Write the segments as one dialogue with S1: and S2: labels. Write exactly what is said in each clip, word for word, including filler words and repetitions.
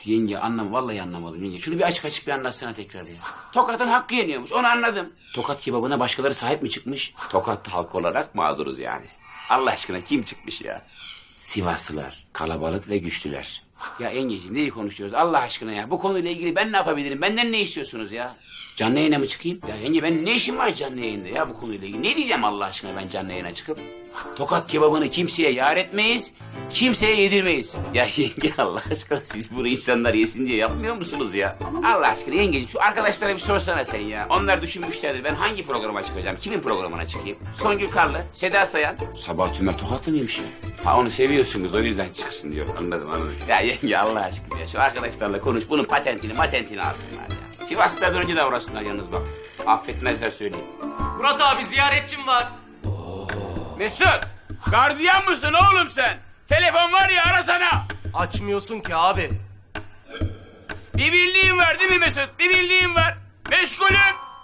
S1: Yenge anlam, vallahi anlamadım yenge. Şunu bir açık açık bir anlatsana tekrar ya. Tokat'ın hakkı yeniyormuş, onu anladım. Tokat kebabına başkaları sahip mi çıkmış? Tokat halkı olarak mağduruz yani. Allah aşkına kim çıkmış ya? Sivaslılar, kalabalık ve güçlüler. Ya yengeciğim neyi konuşuyoruz Allah aşkına ya? Bu konuyla ilgili ben ne yapabilirim? Benden ne istiyorsunuz ya? Canlı yayına mı çıkayım? Ya yenge ben ne işim var canlı yayında ya bu konuyla ilgili? Ne diyeceğim Allah aşkına ben canlı yayına çıkıp? Tokat kebabını kimseye yar etmeyiz, kimseye yedirmeyiz. Ya yenge Allah aşkına siz bunu insanlar yesin diye yapmıyor musunuz ya? Allah aşkına yengeciğim şu arkadaşlara bir sorsana sen ya. Onlar düşünmüşlerdir ben hangi programa çıkacağım? Kimin programına çıkayım? Songül Karlı, Seda Sayan. Sabah Tümer Tokatlı mıymış ya? Ha onu seviyorsunuz o yüzden çıksın diyor. Anladım anladım. Ya yenge Allah aşkına ya şu arkadaşlarla konuş bunun patentini matentini alsınlar ya. Sivas'tan önce de uğraşsınlar yalnız bak. Affetmezler söyleyeyim.
S2: Murat abi ziyaretçim var.
S1: Mesut, gardiyan mısın oğlum sen? Telefon var ya arasana.
S2: Açmıyorsun ki abi.
S1: Bir bildiğin var değil mi Mesut? Bir bildiğin var. Meşgulüm.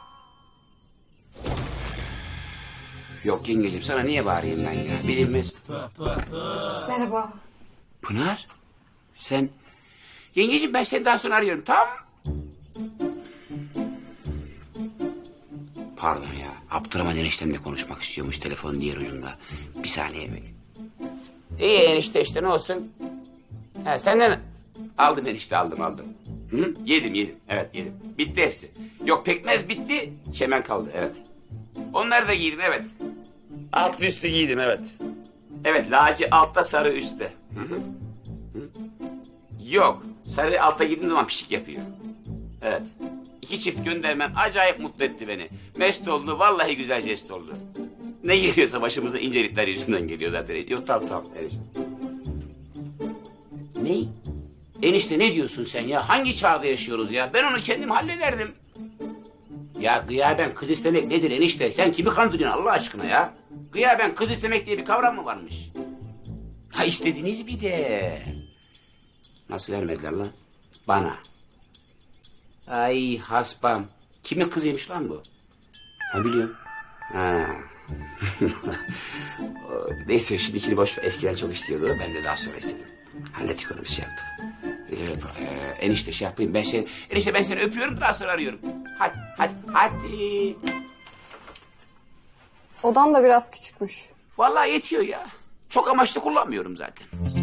S1: Yok yengeciğim sana niye bağırayım ben ya? Bizim Mesut.
S3: Merhaba.
S1: Pınar, sen... Yengeciğim ben seni daha sonra arıyorum tamam mı? Pardon ya. Abdurrahman eniştemle konuşmak istiyormuş telefonun diğer ucunda. Bir saniye bekle. İyi enişte işte ne olsun. Ha, senden aldım enişte aldım aldım. Hı? Yedim yedim evet yedim. Bitti hepsi. Yok pekmez bitti çemen kaldı evet. Onları da giydim evet. Altlı üstü giydim evet. Evet laci altta sarı üstte. Hı hı. Hı. Yok sarı altta giydiğim zaman pişik yapıyor. Evet. İki çift göndermen acayip mutlu etti beni. Mest oldu, vallahi güzel jest oldu. Ne geliyorsa başımıza incelikler yüzünden geliyor zaten. Yok tamam tamam. Enişte. Ne? Enişte ne diyorsun sen ya? Hangi çağda yaşıyoruz ya? Ben onu kendim hallederdim. Ya gıyaben kız istemek nedir enişte? Sen kimi kandırıyorsun Allah aşkına ya? Gıyaben kız istemek diye bir kavram mı varmış? Ha istediniz bir de. Nasıl vermediler lan? Bana. Ay haspam. Kimin kızıymış lan bu? Ha biliyorum. Ha. Neyse şimdikini boş ver. Eskiden çok istiyordu. Ben de daha sonra istedim. Hallettik onu bir şey yaptık. Ee, e, enişte şey yapayım. Ben seni, enişte ben seni öpüyorum daha sonra arıyorum. Hadi hadi hadi.
S3: Odan da biraz küçükmüş.
S1: Vallahi yetiyor ya. Çok amaçlı kullanmıyorum zaten.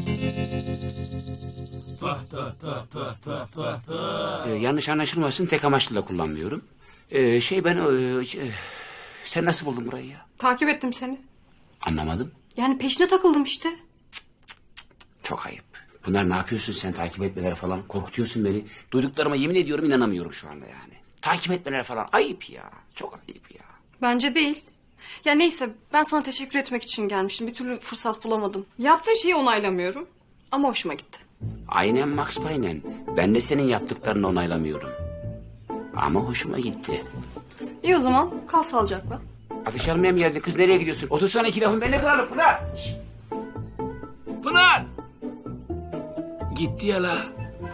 S1: Ee, yanlış anlaşılmasın tek amaçlı da kullanmıyorum. Ee, şey ben... E, şey, sen nasıl buldun burayı ya?
S3: Takip ettim seni.
S1: Anlamadım.
S3: Yani peşine takıldım işte.
S1: Çok ayıp. Pınar ne yapıyorsun sen takip etmeler falan? Korkutuyorsun beni. Duyduklarıma yemin ediyorum inanamıyorum şu anda yani. Takip etmeler falan ayıp ya. Çok ayıp ya.
S3: Bence değil. Ya neyse ben sana teşekkür etmek için gelmiştim. Bir türlü fırsat bulamadım. Yaptığın şeyi onaylamıyorum. Ama hoşuma gitti.
S1: Aynen Max Payne'en. Ben de senin yaptıklarını onaylamıyorum. Ama hoşuma gitti.
S3: İyi o zaman kal sağlıcakla.
S1: Ateş almaya mı geldin kız nereye gidiyorsun? Otursana iki lafın benimle kalalım Pınar. Şişt. Pınar. Gitti ya la.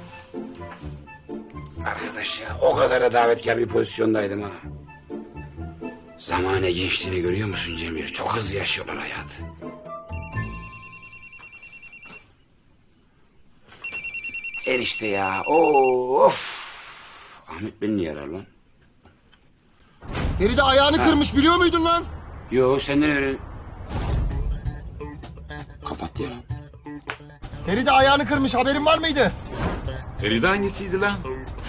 S1: Arkadaş ya o kadar da davetkar bir pozisyondaydım ha. Zamane gençliğini görüyor musun Cemil? Çok hızlı yaşıyorlar hayatı. Enişte ya of. Ahmet beni niye arar lan?
S4: Feride ayağını ha. kırmış biliyor muydun lan?
S1: Yo senden öğren. Kapat ya lan.
S4: Feride ayağını kırmış haberin var mıydı?
S5: Feride hangisiydi lan?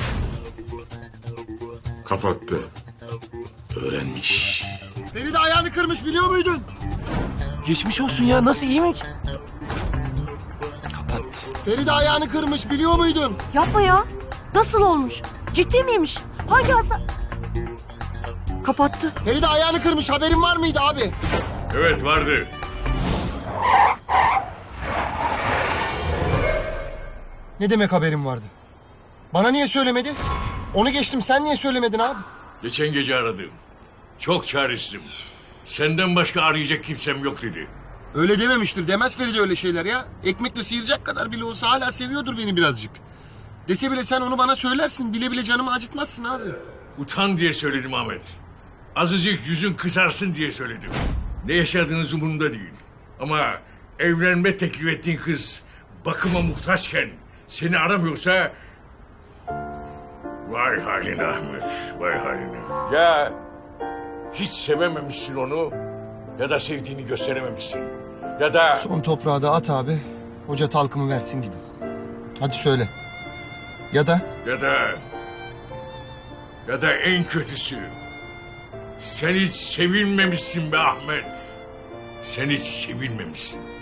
S5: Kapattı. Öğrenmiş.
S4: Feride ayağını kırmış biliyor muydun?
S2: Geçmiş olsun ya nasıl iyi mi?
S1: Kapat.
S4: Feride ayağını kırmış biliyor muydun?
S6: Yapma ya. Nasıl olmuş? Ciddi miymiş? Hangi hasta? Kapattı.
S4: Feride ayağını kırmış haberin var mıydı abi?
S5: Evet vardı.
S4: Ne demek haberim vardı? Bana niye söylemedi? Onu geçtim sen niye söylemedin abi?
S5: Geçen gece aradım. Çok çaresizim. Senden başka arayacak kimsem yok dedi.
S4: Öyle dememiştir. Demez Feride öyle şeyler ya. Ekmekle sıyıracak kadar bile olsa hala seviyordur beni birazcık. Dese bile sen onu bana söylersin. Bile bile canımı acıtmazsın abi.
S5: Utan diye söyledim Ahmet. Azıcık yüzün kızarsın diye söyledim. Ne yaşadığınız umurumda değil. Ama evlenme teklif ettiğin kız bakıma muhtaçken seni aramıyorsa... Vay haline Ahmet, vay haline. Ya hiç sevememişsin onu ya da sevdiğini gösterememişsin. Ya da...
S4: Son toprağı da at abi. Hoca talkımı versin gidin. Hadi söyle. Ya da
S5: Ya da... Ya da en kötüsü... Sen hiç sevilmemişsin be Ahmet. Sen hiç sevilmemişsin.